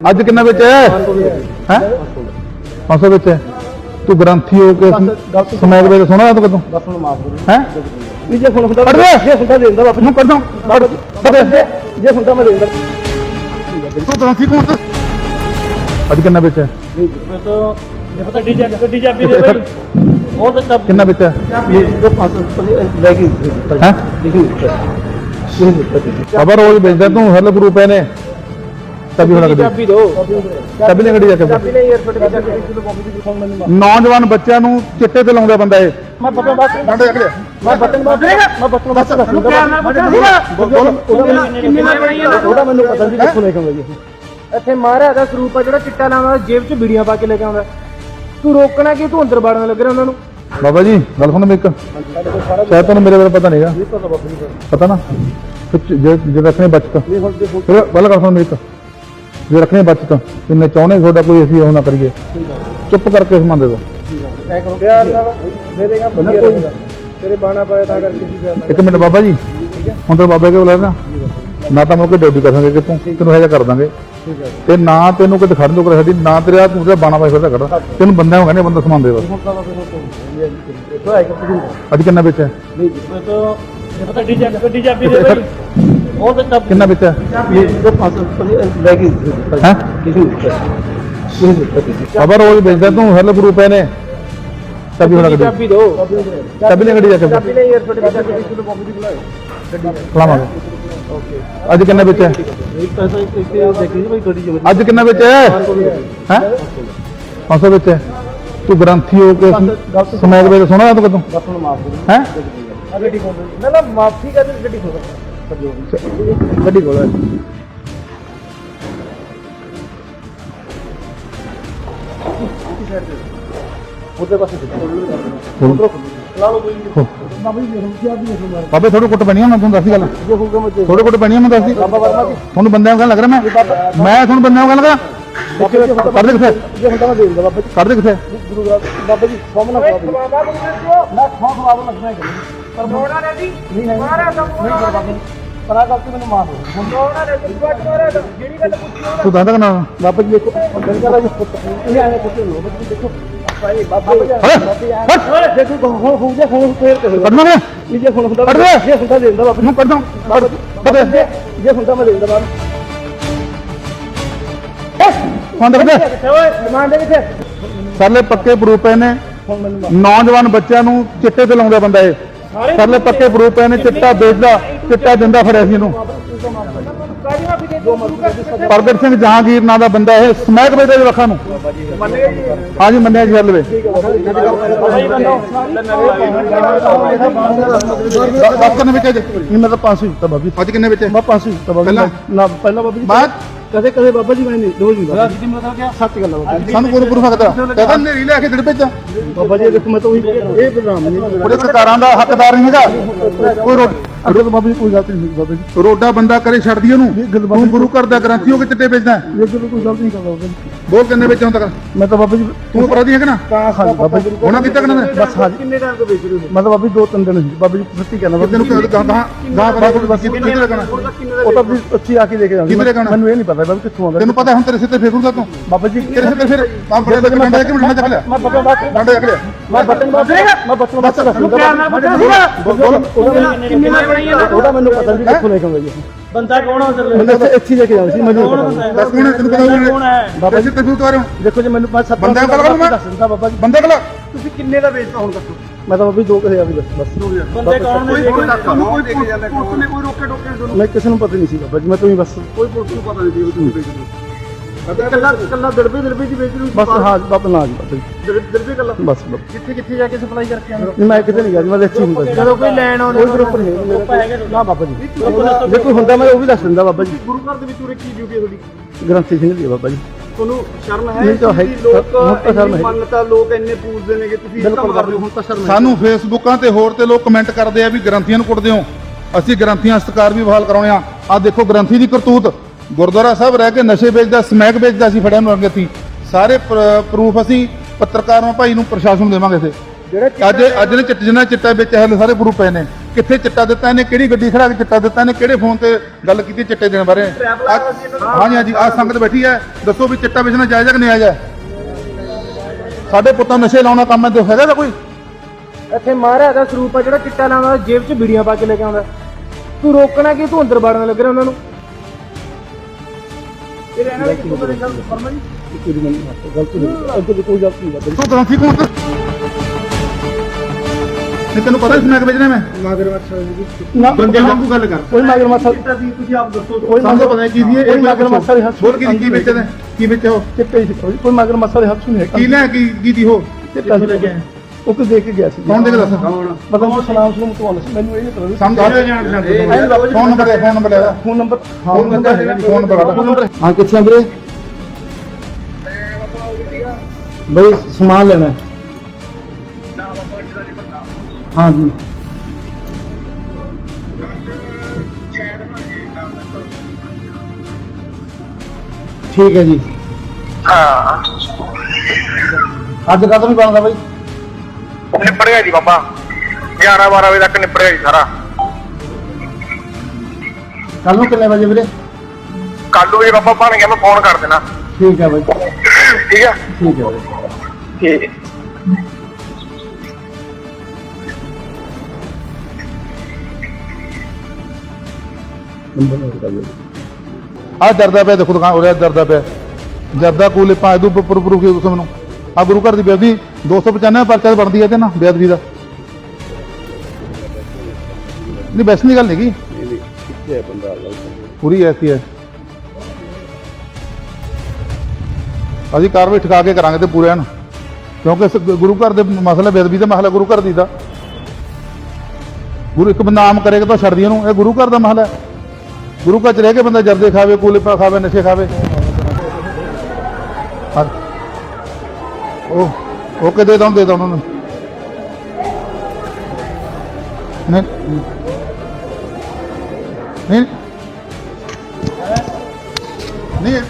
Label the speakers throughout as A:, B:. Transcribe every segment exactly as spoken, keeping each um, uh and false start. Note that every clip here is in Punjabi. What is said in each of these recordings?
A: ਅੱਜ ਕਿੰਨਾ ਵਿੱਚ ਹੈ ਹੈ पाँच सौ ਵਿੱਚ है तू ग्रंथी हो के समय के सोना तो कदों
B: बस ਹੁਣ ਮਾਫ ਕਰੋ
A: है
B: ਵੀ ਜੇ ਹੁਣ ਹੁੰਦਾ
A: ਕੱਢ ਦੇ
B: ਜੇ ਹੁੰਦਾ ਦੇ ਦਿੰਦਾ ਵਾਪਸ
A: ਨੂੰ ਕੱਢ ਦੋ
B: ਜੇ ਹੁੰਦਾ ਮੈਂ ਦੇ ਦਿੰਦਾ
A: तू ग्रंथी कौन था ਅੱਜ ਕਿੰਨਾ ਵਿੱਚ ਹੈ
B: ਮੈਂ ਤਾਂ ਜੇ ਪਤਾ ਡੀਜੇ ਗੱਡੀ ਚਾਬੀ ਦੇ ਭਾਈ ਉਹ ਤਾਂ ਚਾਬੀ
A: ਕਿੰਨਾ ਵਿੱਚ ਹੈ
B: ਇਹ ਜੋ ਪਾਸ ਲੈ ਕੇ
A: ਹੈ
B: ਲਿਖੀ
A: खबर रोज भेजता तू हर ग्रुप है ने तभी होना कभी
B: ਚਾਬੀ ਦੋ
A: तभी नहीं गड्डी जाके
B: ਚਾਬੀ ਨਹੀਂ 에어ਪੋਰਟ ਤੇ ਜਾ ਕੇ ਕਿਲੋ ਕਾਪੀ ਦੀ ਫੋਨ ਮੈਨੂੰ
A: ਨੌਜਵਾਨ ਬੱਚਿਆਂ ਨੂੰ ਚਿੱਟੇ ਤੇ ਲਾਉਂਦਾ ਬੰਦਾ ਇਹ
B: ਮੈਂ ਬਟਨ ਬਾਤ
A: ਡਾਂਡੇ ਜੱਕ ਲਿਆ
B: ਮੈਂ ਬਟਨ ਬਾਤ ਮੈਂ ਬਟਨ ਬਾਤ ਉਹਦਾ ਮੈਨੂੰ ਪਤਾ ਨਹੀਂ ਕਿੱਥੋਂ ਲੈ ਕੇ ਆਉਂਦਾ ਜੀ ਇੱਥੇ ਮਾਰਿਆ ਦਾ ਸਰੂਪ ਆ ਜਿਹੜਾ ਚਿੱਟਾ ਲਾਉਂਦਾ ਜੇਬ 'ਚ ਬੀੜੀਆਂ ਪਾ ਕੇ ਲੈ ਕੇ ਆਉਂਦਾ ਤੂੰ ਰੋਕਣਾ ਕਿ ਤੂੰ ਅੰਦਰ ਵੜਨ ਲੱਗ ਰਿਹਾ ਉਹਨਾਂ ਨੂੰ
A: बाबा जी गल सुन मेरे शायद तुम मेरे बारे पता नहीं पता ना जो रखने बचत फिर गल कर सुन मेरे जो रखने बचत इन्हें चाहने थोड़ा कोई असं ना करिए चुप करके समान दे दो एक मिनट बाबा जी हम तो बाबा के बुला ना ना तो मौके ड्यूटी कर सकेंगे तू तेन है कर देंगे ਤੇ ਨਾ ਤੈਨੂੰ ਕਿਤੇ ਖੜਨ ਤੋਂ ਕਰ ਸਾਡੀ ਨਾ ਤੇਰਾ ਤੂੰ ਤੇ ਬਾਣਾ ਪਾਈ ਫਿਰਦਾ ਖੜਾ ਤੈਨੂੰ ਬੰਦਿਆਂ ਨੂੰ ਕਹਿੰਦੇ ਬੰਦਾ ਸਮਾਨ ਦੇ ਬਸ ਅੱਜ ਕਿੰਨਾ ਵਿੱਚ ਹੈ
B: ਪਤਾ ਡੀਜੇ ਗੱਡੀ ਚਾਬੀ ਦੇ ਭਾਈ ਉਹ ਤਾਂ ਚਾਬੀ
A: ਕਿੰਨਾ ਵਿੱਚ ਹੈ
B: ਇਹ ਜੋ ਪਾਸ ਲੈ ਕੇ
A: ਹੈ ਖਬਰ ਰੋਜ਼ भेजता तू हर ग्रुप है ने तभी होना गड्डी
B: ਚਾਬੀ ਦੋ
A: तभी नहीं गड्डी जाके
B: ਚਾਬੀ ਨਹੀਂ 에어ਪੋਰਟ ਤੇ ਜਾ ਕੇ ਕਿਲੋ ਕਾਪੀ ਦੀ ਬੁਲਾਓ
A: ਖਲਾਵਾਂਗੇ ਅੱਜ ਕਿੰਨਾ ਵਿੱਚ ਹੈ
B: ਇੱਕ ਪੈਸਾ ਇੱਕ ਦੇਖੀ ਭਾਈ ਗੱਡੀ ਚ
A: ਅੱਜ ਕਿੰਨਾ ਵਿੱਚ ਹੈ ਹੈ पाँच सौ ਵਿੱਚ ਹੈ ਤੂੰ ਗ੍ਰੰਥੀ ਹੋ ਕੇ समय के ਵੇਲੇ ਸੋਣਾ ਤੂੰ ਕਦੋਂ
B: ਬਸ ਹੁਣ ਮਾਫ ਕਰੋ
A: ਹੈ
B: ਗੱਡੀ ਖੋਲ ਨਾ ਨਾ ਮਾਫੀ ਕਰ ਗੱਡੀ ਖੋਲ
A: ਗੱਡੀ ਕੋਲ
B: ਉਹਦੇ ਪਾਸੇ ਲਾ ਲਓ ਕੋਈ ਬਾਬਾ ਜੀ ਦੇਖੋ ਕੀ ਆਪ ਦੇਖੋ ਮਾਰ
A: ਬਾਬੇ ਥੋੜੇ ਕੁੱਟ ਪੈਣੀ ਆ ਮੈਂ ਤੁਹਾਨੂੰ ਦੱਸੀ ਗੱਲ
B: ਜੇ ਹੋਊਗਾ ਮੈਂ ਦੇ
A: ਥੋੜੇ ਕੁੱਟ ਪੈਣੀ ਆ ਮੈਂ ਦੱਸਦੀ
B: ਬਾਬਾ ਵਰਮਾ ਜੀ
A: ਤੁਹਾਨੂੰ ਬੰਦਿਆਂ ਨੂੰ ਕਹਿਣ ਲੱਗ ਰਿਹਾ ਮੈਂ ਮੈਂ ਤੁਹਾਨੂੰ ਬੰਦਿਆਂ ਨੂੰ ਕਹਿਣ ਲੱਗਾ ਕਰ ਦੇ ਕਿੱਥੇ
B: ਜੇ ਹੁੰਦਾ ਮੈਂ ਦੇ ਦਿੰਦਾ ਬਾਬਾ ਜੀ
A: ਕਰ ਦੇ ਕਿੱਥੇ
B: ਗੁਰੂ ਗ੍ਰੰਥ ਬਾਬਾ ਜੀ ਸੋਮਨਾ ਬਾਬਾ ਮੈਂ ਖੋਖ ਬਾਬਾ ਲੱਗਣਾ ਹੈ ਪਰ ਮੋੜਾ ਨੇ ਜੀ ਨਹੀਂ ਹੈ ਮਾਰਾ ਤਾਂ ਨਹੀਂ ਬਾਬਾ ਜੀ ਪਰਾ ਕਰਕੇ ਮੈਨੂੰ ਮਾਰ ਦੋ ਮੋੜਾ ਨੇ ਜੀ ਬਾਤ ਮਾਰਾ ਤਾਂ ਜਿਹੜੀ ਗੱਲ ਪੁੱਛੀ
A: ਤੂੰ ਦੱਸਦਾ ਨਾ
B: ਬਾਬਾ ਜੀ ਦੇਖੋ ਗੰਗਾ ਦਾ ਜੀ ਪੁੱਤ ਇਹ ਆਏ ਪੁੱਤ ਨੂੰ ਬਾਬਾ ਜੀ ਦੇਖੋ ਭਾਈ ਬਾਬਾ ਜੀ ਦੇਖੋ ਹੋ ਹੋ ਜਾ ਹੋ ਫੇਰ ਤੇ
A: ਕੱਢਣਾ ਮੈਂ
B: ਇਹ ਜੇ ਹੁਣ ਹੁੰਦਾ
A: ਕੱਢ ਦੇ
B: ਜੇ ਹੁੰਦਾ ਦੇ ਦਿੰਦਾ ਬਾਬਾ
A: ਨੂੰ ਕੱਢ ਦੋ ਕੱਢ ਦੇ
B: ਜੇ ਹੁੰਦਾ ਮੈਂ ਦੇ ਦਿੰਦਾ ਬਾਬਾ
A: ਫੋਨ ਦੇ
B: ਕਿੱਥੇ ਓਏ ਸਮਾਨ ਦੇ ਕਿੱਥੇ
A: ਸਰਲੇ ਪੱਕੇ ਪ੍ਰੂਫ ਪਏ ਨੇ
B: ਹੁਣ ਮੈਨੂੰ
A: ਨੌਜਵਾਨ ਬੱਚਿਆਂ ਨੂੰ ਚਿੱਟੇ ਤੇ ਲਾਉਂਦਾ ਬੰਦਾ ਇਹ ਸਰਲੇ ਪੱਕੇ ਪ੍ਰੂਫ ਪਏ ਨੇ ਚਿੱਟਾ ਵੇਚਦਾ ਚਿੱਟਾ ਦਿੰਦਾ ਫੜਿਆ ਸੀ ਇਹਨੂੰ ਪ੍ਰਗਟ ਸਿੰਘ ਜਹਾਂਗੀਰ ਨਾਂ ਦਾ ਬੰਦਾ ਇਹ ਸਮੈਕ ਵੇਚਦਾ ਜੀ ਲੱਖਾਂ ਨੂੰ ਹਾਂਜੀ ਮੰਨਿਆ ਜੀ ਹਲਵੇ ਦਸ ਕਿੰਨੇ ਵਿੱਚ
B: ਨਹੀਂ ਮੈਂ ਤਾਂ ਪੰਜ ਸੌ ਦਿੱਤਾ ਬਾਬੀ
A: ਅੱਜ ਕਿੰਨੇ ਵਿੱਚ
B: ਮੈਂ ਪੰਜ ਸੌ ਦਿੱਤਾ ਬਾਬੀ
A: ਪਹਿਲਾਂ?
B: ਨਾ ਪਹਿਲਾਂ ਬਾਬੀ
A: ਬਾਅਦ
B: ਕਦੇ ਕਦੇ ਬਾਬਾ ਜੀ ਮੈਂ ਨਹੀਂ ਰੋਜ਼ ਨਹੀਂ ਬਾਬਾ ਜੀ ਮਤਲਬ ਕਿ ਸੱਚ ਗੱਲ ਆ ਬਾਬਾ ਜੀ
A: ਸਾਨੂੰ ਕੋਈ ਪ੍ਰੂਫ ਸਕਦਾ ਕਹਿੰਦਾ ਨੇਰੀ ਲੈ ਕੇ ਦਿੜ ਵਿੱਚ
B: ਬਾਬਾ ਜੀ ਦੇਖੋ ਮੈਂ ਤਾਂ ਉਹੀ ਇਹ ਬਦਨਾਮ ਨਹੀਂ
A: ਉਹਦੇ ਸਰਕਾਰਾਂ ਦਾ ਹੱਕਦਾਰ ਨਹੀਂ ਹੈਗਾ ਕੋਈ ਰੋ-
B: ਅੱਗੇ ਤਾਂ ਬਾਬਾ ਜੀ ਕੋਈ ਗਲਤੀ ਨਹੀਂ ਬਾਬਾ ਜੀ
A: ਰੋਡਾ ਬੰਦਾ ਕਰੇ ਛੱਡਦੀ ਉਹਨੂੰ ਤੂੰ ਗੁਰੂ ਘਰ ਦਾ ਗ੍ਰੰਥੀ ਹੋ ਕੇ ਚਿੱਟੇ ਵੇਚਦਾ
B: ਇਹ ਜਦੋਂ ਕੋਈ ਗਲਤੀ ਨਹੀਂ ਕਰਦਾ ਬਾਬਾ ਜੀ
A: ਬੋਲ ਕਿੰਨੇ ਵਿੱਚ ਹੁਣ ਤੱਕ
B: ਮੈਂ ਤਾਂ ਬਾਬਾ ਜੀ
A: ਤੂੰ ਅਪਰਾਧੀ ਹੈਗਾ ਨਾ
B: ਤਾਂ ਖਾਲੀ ਬਾਬਾ ਜੀ
A: ਉਹਨਾਂ ਕੀਤਾ ਕਿੰਨਾ
B: ਬਸ ਹਾਂ ਕਿੰਨੇ ਟਾਈਮ ਤੋਂ ਵੇਚ ਰਹੇ ਹੋ ਮੈਂ ਤਾਂ ਬਾਬਾ ਜੀ ਦੋ ਤਿੰਨ ਦਿਨ ਸੀ ਬਾਬਾ ਜੀ ਸੱਚੀ ਕਹਿੰਦਾ ਬਾਬਾ
A: ਤੈਨੂੰ
B: ਜੀ
A: ਗਾਂ ਗਾਂ ਗਾਂ ਬੜਾ ਕਿੱਥੇ ਲੱਗਣਾ
B: ਉਹ ਤਾਂ ਵੀ ਅੱਛੀ ਆ ਕੇ ਦੇ ਕੇ ਜਾਂਦੀ
A: ਕਿੱਥੇ ਲੱਗਣਾ?
B: ਮੈਨੂੰ ਇਹ ਨਹੀਂ ਪਤਾ ਬਾਬਾ ਕਿੱਥੋਂ ਆਉਂਦਾ
A: ਤੈਨੂੰ ਪਤਾ ਹੁਣ ਤੇਰੇ ਸਿਰ ਤੇ ਫੇਰੂਗਾ ਤੂੰ
B: ਬਾਬਾ ਜੀ
A: ਤੇਰੇ ਸਿਰ ਤੇ ਫਿਰ ਆ ਬੜੇ ਬੜੇ ਡੰਡਾ ਇੱਕ ਮਿੰਟ ਮੈਂ ਚੱਕ ਲਿਆ
B: ਮੈਂ ਬਟਨ ਬਾਤ
A: ਡੰਡਾ ਚੱਕ ਲਿਆ
B: ਮੈਂ ਬਟਨ ਬਾਤ ਮੈਂ ਬਟਨ ਬਾਤ ਉਹਦਾ ਮੈਨੂੰ ਪਤਾ ਨਹੀਂ ਕਿੱਥੋਂ ਲੈ ਕੇ ਆਉਂਦਾ ਜੀ ਬੰਦਾ ਕੌਣ ਹੋ ਸਕਦਾ ਮੈਨੂੰ ਇੱਥੇ ਲੈ ਕੇ ਜਾਣਾ ਸੀ ਮੈਨੂੰ
A: ਦੱਸ ਕੌਣ ਤੈਨੂੰ ਪਤਾ ਕੌਣ ਹੈ ਬਾਬਾ ਜੀ ਤੇ ਤੂੰ ਤਾਰੋ
B: ਦੇਖੋ ਜੀ ਮੈਨੂੰ ਪੰਜ ਸੱਤ
A: ਬੰਦਿਆਂ ਕੋਲ ਗੱਲ ਮੈਂ
B: ਦੱਸ ਦਿੰਦਾ ਬਾਬਾ ਜੀ
A: ਬੰਦੇ ਕੋਲ
B: ਤੁਸੀਂ ਕਿੰਨੇ ਦਾ ਵੇਚਦਾ ਹੁਣ ਦੱਸੋ ਮੈਂ ਤਾਂ ਬਾਬਾ ਜੀ ਦੋ ਹਜ਼ਾਰ ਦੀ ਬਸ ਬੰਦੇ ਕੌਣ ਨੇ ਕੋਈ ਕੋਈ ਦੇ ਕੇ ਜਾਂਦਾ ਕੋਈ ਕੋਈ ਰੋਕੇ ਟੋਕੇ ਮੈਂ ਕਿਸੇ ਨੂੰ ਪਤਾ ਨਹੀਂ ਸੀ ਬਾਬਾ ਜੀ ਮੈਂ ਤੁਸੀਂ ਬਸ ਕੋਈ ਪੁਲਿਸ ਨੂੰ ਪਤਾ ਨਹੀਂ ਸੀ ਤੁਸੀਂ ਵੇਚਦੇ ਕੱਲਾ ਕੱਲਾ ਦਰਬੇ ਦਰਬੇ ਦੀ ਵੇਚ ਰਹੀ ਬਸ ਹਾਂ ਬਾਬਾ ਨਾ ਜੀ ਬਾਬਾ ਜੀ ਦਰਬੇ ਕੱਲਾ ਬਸ ਕਿੱਥੇ ਕਿੱਥੇ ਜਾ ਕੇ ਸਪਲਾਈ ਕਰਕੇ ਆਉਂਦੇ ਮੈਂ ਕਿਤੇ ਨਹੀਂ ਗਿਆ ਜੀ ਮੈਂ ਇੱਥੇ ਹੁੰਦਾ ਜੀ ਜਦੋਂ ਕੋਈ ਲੈਣ ਆਉਂਦਾ ਕੋਈ ਗਰੁੱਪ ਨਹੀਂ ਮੇਰਾ ਨਾ ਬਾਬਾ ਜੀ ਜੇ ਕੋਈ ਹੁੰਦਾ ਮੈਂ ਉਹ ਵੀ ਦੱਸ ਦਿੰਦਾ ਬਾਬਾ ਜੀ ਗੁਰੂ ਘਰ ਦੇ ਵਿੱਚ ਉਰੇ ਕੀ ਡਿਊਟੀ ਹੈ ਤੁਹਾਡੀ ਗ੍ਰੰਥੀ ਸਿੰਘ ਦੀ ਬਾਬਾ ਜੀ ਤੁਹਾਨੂੰ ਸ਼ਰਮ ਹੈ ਲੋਕ ਮੰਨਤਾ ਲੋਕ ਇੰਨੇ ਪੂਜਦੇ ਨੇਗੇ ਤੁਸੀਂ ਇਹ ਕੰਮ ਕਰਦੇ ਹੋ ਹੁਣ ਤਾਂ ਸ਼ਰਮ
A: ਸਾਨੂੰ ਫੇਸਬੁੱਕਾਂ ਤੇ ਹੋਰ ਤੇ ਲੋਕ ਕਮੈਂਟ ਕਰਦੇ ਆ ਵੀ ਗ੍ਰੰਥੀਆਂ ਨੂੰ ਕੁੱਟਦੇ ਹੋ ਅਸੀਂ ਗ੍ਰੰਥੀਆਂ ਸਤਿਕਾਰ ਵੀ ਬਹਾਲ ਕਰਾਉਣੇ ਆ ਆ ਦੇਖੋ ਗ੍ਰੰਥੀ ਦੀ ਕਰਤੂਤ ਗੁਰਦੁਆਰਾ ਸਾਹਿਬ ਰਹਿ ਕੇ ਨਸ਼ੇ ਵੇਚਦਾ ਸਮੈਕ ਵੇਚਦਾ ਸੀ ਫੜਿਆ ਨੂੰ ਅੰਗਤੀ ਸਾਰੇ ਪ੍ਰੂਫ ਅਸੀਂ ਪੱਤਰਕਾਰਾਂ ਭਾਈ ਨੂੰ ਪ੍ਰਸ਼ਾਸਨ ਨੂੰ ਦੇਵਾਂਗੇ ਇੱਥੇ ਅੱਜ ਅੱਜ ਨੇ ਚਿੱਟ ਜਿੰਨਾ ਚਿੱਟਾ ਵਿੱਚ ਹਲੇ ਸਾਰੇ ਪ੍ਰੂਫ ਪਏ ਨੇ ਕਿੱਥੇ ਚਿੱਟਾ ਦਿੱਤਾ ਇਹਨੇ, ਕਿਹੜੀ ਗੱਡੀ ਖੜਾ ਕੇ ਚਿੱਟਾ ਦਿੱਤਾ ਇਹਨੇ, ਕਿਹੜੇ ਫੋਨ ਤੇ ਗੱਲ ਕੀਤੀ ਚਿੱਟੇ ਦੇਣ ਬਾਰੇ। ਹਾਂਜੀ ਹਾਂਜੀ ਆਹ ਸੰਗਤ ਬੈਠੀ ਹੈ, ਦੱਸੋ ਵੀ ਚਿੱਟਾ ਵੇਚਣਾ ਜਾਇਜ਼ ਹੈ ਕਿ ਨਹੀਂ ਜਾਇਜ਼? ਸਾਡੇ ਪੁੱਤਾਂ ਨਸ਼ੇ ਲਾਉਣਾ ਕੰਮ ਹੈ, ਹੈਗਾ ਤਾਂ ਕੋਈ?
C: ਇੱਥੇ ਮਹਾਰਾਜ ਦਾ ਸਰੂਪ ਆ ਜਿਹੜਾ ਚਿੱਟਾ ਲਾਉਂਦਾ, ਜੇਬ 'ਚ ਬੀੜੀਆਂ ਪਾ ਕੇ ਲੈ ਕੇ ਆਉਂਦਾ। ਤੂੰ ਰੋਕਣਾ ਕਿ ਤੂੰ ਅੰਦਰ ਵੜਨ ਲੱਗ ਰਿਹਾ ਉਹਨਾਂ ਨੂੰ? ਇਹ ਰਹਿਣਾ ਕਿ ਤੂੰ ਮੇਰੇ ਗੱਲ ਫਰਮਾ ਜੀ
B: ਗਲਤੀ ਨਹੀਂ, ਅੱਗੇ ਕੋਈ ਗਲਤੀ ਨਹੀਂ।
A: ਤੂੰ ਗ੍ਰੰਥੀ ਕੌਣ ਤੇ ਨਹੀਂ ਤੈਨੂੰ ਪਤਾ ਸਮੈਕ ਵੇਚਣਾ ਮੈਂ
B: ਮਗਰਮੱਛ
A: ਨਾ ਬੰਦੇ ਵਾਂਗੂ ਗੱਲ ਕਰ।
B: ਕੋਈ ਮਗਰਮੱਛ
C: ਤੁਸੀਂ ਆਪ ਦੱਸੋ।
B: ਕੋਈ
A: ਸਾਨੂੰ ਪਤਾ ਨਹੀਂ ਕੀ ਦੀ
B: ਕੋਈ ਮਗਰਮੱਛ ਦੇ ਹੱਥ
A: ਬੋਲ ਕੀ ਕੀ ਵੇਚਦਾ, ਕੀ ਵੇਚਿਆ ਉਹ
B: ਚਿੱਟੇ ਸੀ, ਕੋਈ ਮਗਰਮੱਛ ਦੇ ਹੱਥ ਨਹੀਂ
A: ਕੀ ਲੈ ਕੀ ਕੀ ਦੀ ਉਹ
B: ਚਿੱਟਾ ਸੀ ਲੈ ਕੇ ਆਇਆ। ਉਹ ਕਿ ਦੇਖ ਕੇ ਗਿਆ ਸੀ।
A: ਕੌਣ ਦੇ ਕੇ ਦੱਸ?
B: ਮਤਲਬ ਉਹ ਸਲਾਮ ਸਲੂਮ ਤੋਂ ਆਉਂਦਾ ਸੀ, ਮੈਨੂੰ ਇਹ ਨਹੀਂ ਪਤਾ ਸੀ।
A: ਸਮਝ ਆ ਫੋਨ ਨੰਬਰ ਹੈ, ਫੋਨ ਨੰਬਰ ਲੈ
B: ਫੋਨ ਨੰਬਰ
A: ਫੋਨ ਨੰਬਰ ਹੈਗਾ ਜੀ, ਫੋਨ ਨੰਬਰ
B: ਫੋਨ ਨੰਬਰ ਹਾਂ ਕਿੱਥੇ ਆ ਵੀਰੇ? ਬਈ ਸਮਾਨ ਲੈਣਾ ਹੈ। ਹਾਂ ਜੀ ਠੀਕ ਹੈ ਜੀ।
D: ਹਾਂ
B: ਅੱਜ ਕਦੋਂ ਨਹੀਂ ਬਣਦਾ ਬਾਈ?
D: ਨਿਪੜ ਗਿਆ ਜੀ ਬਾਬਾ, ਗਿਆਰਾਂ ਬਾਰਾਂ ਵਜੇ ਤੱਕ ਨਿਪੜ ਗਿਆ ਜੀ ਸਾਰਾ।
B: ਕੱਲ ਨੂੰ ਕਿੰਨੇ ਵਜੇ ਵੀਰੇ?
D: ਕੱਲ ਨੂੰ ਜੀ ਬਾਬਾ ਬਣ ਗਿਆ, ਮੈਂ ਫੋਨ ਕਰ ਦੇਣਾ।
B: ਠੀਕ ਹੈ ਬਾਈ,
D: ਠੀਕ ਹੈ
B: ਠੀਕ ਹੈ ਬਾਈ।
D: ਠੀਕ
B: ਨੰਬਰ ਨੋਟ ਕਰ ਲਓ।
A: ਆ ਡਰਦਾ ਪਿਆ, ਦੇਖੋ ਦੁਕਾਨ ਉਰੇ ਡਰਦਾ ਪਿਆ, ਜਰਦਾ ਕੋਲੇ ਪਾ ਦੂ ਉੱਪਰ ਉੱਪਰ ਕੀ ਤੁਸੀਂ ਮੈਨੂੰ ਆ ਗੁਰੂ ਘਰ ਦੀ ਬੇਅਦਬੀ ਦੋ ਸੌ ਪਚਾਨਵੇਂ ਪਰਚਾ ਬਣਦੀ ਹੈ ਤੇ ਨਾ ਬੇਅਦਬੀ ਦਾ। ਨਹੀਂ ਵੈਸੇ ਨਹੀਂ ਗੱਲ ਹੈਗੀ,
B: ਕਿੱਥੇ ਹੈ ਬੰਦਾ?
A: ਪੂਰੀ ਐਸੀ ਹੈ। ਅਸੀਂ ਕਾਰਵਾਈ ਠਕਾ ਕੇ ਕਰਾਂਗੇ ਤੇ ਪੂਰਿਆਂ ਨੂੰ, ਕਿਉਂਕਿ ਇਸ ਗੁਰੂ ਘਰ ਦੇ ਮਸਲਾ ਬੇਅਦਬੀ ਦਾ ਮਸਲਾ ਗੁਰੂ ਘਰ ਦੀ ਦਾ। ਗੁਰੂ ਇੱਕ ਬੰਦਾ ਆਮ ਕਰੇਗਾ ਤਾਂ ਛੱਡਦੀ ਇਹਨੂੰ, ਇਹ ਗੁਰੂ ਘਰ ਦਾ ਮਸਲਾ ਹੈ। ਗੁਰੂ ਘਰ ਚ ਰਹਿ ਕੇ ਬੰਦਾ ਜਰਦੇ ਖਾਵੇ, ਕੂਲੇਪਾ ਖਾਵੇ, ਨਸ਼ੇ ਖਾਵੇ। ਉਹ ਓਕੇ ਦੇ ਦਊਂ ਦੇ ਦਊਂ ਉਹਨਾਂ ਨੂੰ। ਨਹੀਂ ਨਹੀਂ ਨਹੀਂ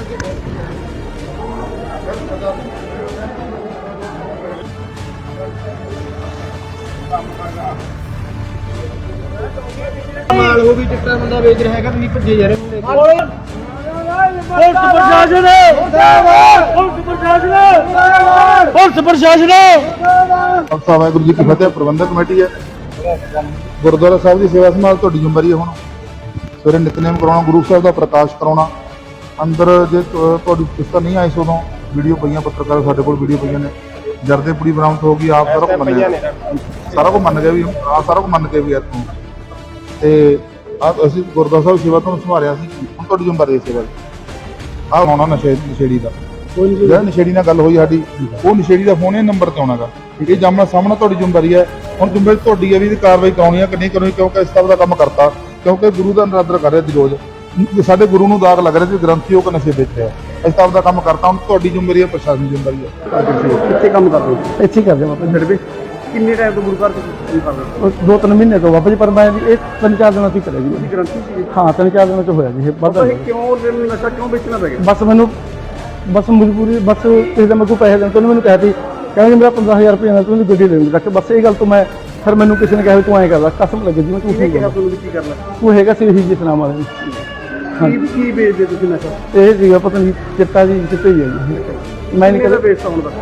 C: ਮਾਲ ਉਹ ਵੀ ਚਿੱਟਾ ਬੰਦਾ ਵੇਚ ਰਿਹਾ ਹੈਗਾ, ਤੁਸੀਂ ਭੱਜੇ ਜਾ ਰਹੇ ਹੋ।
B: ਪੁਲਿਸ ਪ੍ਰਸ਼ਾਸਨ ਪੁਲਿਸ ਪ੍ਰਸ਼ਾਸਨ ਪੁਲਿਸ ਪ੍ਰਸ਼ਾਸਨ
A: ਖਾਲਸਾ ਵਾਹਿਗੁਰੂ ਜੀ ਕੀ ਫਤਿਹ। ਪ੍ਰਬੰਧਕ ਕਮੇਟੀ ਹੈ ਗੁਰਦੁਆਰਾ ਸਾਹਿਬ ਦੀ ਸੇਵਾ ਸੰਭਾਲ ਤੁਹਾਡੀ ਜ਼ਿੰਮੇਵਾਰੀ ਹੈ। ਹੁਣ ਸਵੇਰੇ ਨਿਤਨੇਮ ਕਰਾਉਣਾ, ਗੁਰੂ ਸਾਹਿਬ ਦਾ ਪ੍ਰਕਾਸ਼ ਕਰਾਉਣਾ। ਅੰਦਰ ਜੇ ਤੁ- ਤੁਹਾਡੀ ਕਿਸ਼ਤਾ ਨਹੀਂ ਆਈ ਸੋ ਉਦੋਂ ਵੀਡੀਓ ਪਈਆਂ, ਪੱਤਰਕਾਰ ਸਾਡੇ ਕੋਲ ਵੀਡੀਓ ਪਈਆਂ ਨੇ। ਜਰਦੇ ਪੁੜੀ ਬਰਾਮਦ ਹੋ ਗਈ, ਆਪ ਸਾਰਾ ਕੁਝ ਮੰਨਿਆ, ਸਾਰਾ ਕੁਝ ਮੰਨ ਗਿਆ ਵੀ ਆ ਸਾਰਾ ਕੁਝ ਮੰਨ ਕੇ ਵੀ ਇੱਥੋਂ ਤੇ ਆ ਅਸੀਂ ਗੁਰਦੁਆਰਾ ਸਾਹਿਬ ਸੇਵਾ ਤੋਂ ਸੰਭਾਲਿਆ ਸੀ। ਹੁਣ ਤੁਹਾਡੀ ਜ਼ਿੰਮੇਵਾਰੀ ਹੈ ਸੇਵਾ ਦੀ। ਆਹ ਆਉਣਾ ਨਸ਼ੇ ਨਸ਼ੇੜੀ ਦਾ, ਜਿਹੜਾ ਨਸ਼ੇੜੀ ਨਾਲ ਗੱਲ ਹੋਈ ਸਾਡੀ, ਉਹ ਨਸ਼ੇੜੀ ਦਾ ਫੋਨ ਇਹ ਨੰਬਰ ਤੇ ਆਉਣਾਗਾ। ਇਹ ਜਾਮਣਾ ਸਾਹਮਣਾ ਤੁਹਾਡੀ ਜ਼ਿੰਮੇਵਾਰੀ ਹੈ। ਹੁਣ ਜ਼ਿੰਮੇਵਾਰੀ ਤੁਹਾਡੀ ਹੈ ਵੀ ਇਹਦੀ ਕਾਰਵਾਈ ਕਰਾਉਣੀ ਹੈ ਕਿ ਨਹੀਂ ਕਰਾਉਣੀ, ਕਿਉਂਕਿ ਇਸ ਤਰ੍ਹਾਂ ਦਾ ਕੰਮ ਕਰਤਾ, ਕਿਉਂਕਿ ਗੁਰੂ ਦਾ ਨਰਾਦਰ ਕਰ ਰਿਹਾ ਸੀ ਰੋਜ਼। ਸਾਡੇ ਗੁਰੂ ਨੂੰ ਦਾਗ ਲੱਗ ਰਿਹਾ ਸੀ ਗ੍ਰੰਥੀ ਉਹ ਕਿ ਨਸ਼ੇ ਵੇਚ ਰਿਹਾ, ਇਸ ਤਰ੍ਹਾਂ ਦਾ ਕੰਮ ਕਰਤਾ। ਹੁਣ ਤੁਹਾਡੀ ਜ਼ਿੰਮੇਵਾਰੀ ਹੈ, ਪ੍ਰਸ਼ਾਸਨ ਦੀ ਜ਼ਿੰਮੇਵਾਰੀ ਹੈ।
B: ਕਿੱਥੇ ਕੰਮ ਕਰਦੇ ਹੋ? ਇੱਥੇ ਹੀ ਕਰਦੇ ਬਾਬਾ ਜੀ।
C: ਕਿੰਨੇ ਟਾਈਮ ਤੋਂ ਗੁਰੂ ਘਰ ਤੋਂ ਕੀ ਕਰਦੇ
B: ਉਹ ਦੋ ਤਿੰਨ ਮਹੀਨੇ ਤੋਂ ਬਾਬਾ ਜੀ, ਪਰ ਮੈਂ ਜੀ ਇਹ ਤਿੰਨ ਚਾਰ ਦਿਨਾਂ ਤੋਂ ਹੀ ਕਰਿਆ ਜੀ।
C: ਹੋ? ਗ੍ਰੰਥੀ ਸੀ।
B: ਹਾਂ ਤਿੰਨ ਚਾਰ ਦਿਨਾਂ ਤੋਂ ਹੋਇਆ ਜੀ ਇਹ ਵਾਧਾ।
C: ਕਿਉਂ ਨਸ਼ਾ ਕਿਉਂ ਵੇਚਣਾ ਪੈ ਗਿਆ?
B: ਬਸ ਮੈਨੂੰ ਬਸ ਮਜਬੂਰੀ, ਬਸ ਕਿਸੇ ਦਾ ਮੈਂ ਕੋਈ ਪੈਸੇ ਦੇਣ ਤੋਂ ਮੈਨੂੰ ਕਿਹਾ ਸੀ, ਕਹਿੰਦੇ ਮੇਰਾ ਪੰਦਰਾਂ ਹਜ਼ਾਰ ਰੁਪਏ ਨਾਲ ਤੂੰ ਇਹਦੀ ਗੱਡੀ ਦੇਣੀ ਰੱਖ। ਬਸ ਇਹ ਗੱਲ ਤੋਂ ਮੈਂ ਫਿਰ ਮੈਨੂੰ ਕਿਸੇ ਨੇ ਕਿਹਾ ਵੀ ਤੂੰ ਐਂ ਕਰਦਾ, ਕਸਮ ਲੱਗੇ ਜੀ ਮੈਂ ਝੂਠ ਨਹੀਂ
C: ਕਿਹਾ
B: ਕਰਦਾ।
C: ਤੁਹਾਨੂੰ ਕੀ ਕਰਨਾ?
B: ਤੂੰ ਹੈਗਾ ਸੀ ਇਹੀ ਜਿਸ ਨਾਮ ਵਾਲੇ ਨੂੰ।
C: ਕੀ ਕੀ ਵੇਚਦੇ ਤੁਸੀਂ ਨਸ਼ਾ?
B: ਇਹ ਸੀਗਾ ਪਤਾ ਨਹੀਂ ਚਿੱਟਾ ਜੀ, ਚਿੱਟੇ ਹੀ ਹੈ ਜੀ। ਮੈਂ ਨਹੀਂ
C: ਕਿਹਦਾ
B: ਕਦੇ
C: ਵੇਚਦਾ ਹੁਣ ਦੱਸੋ?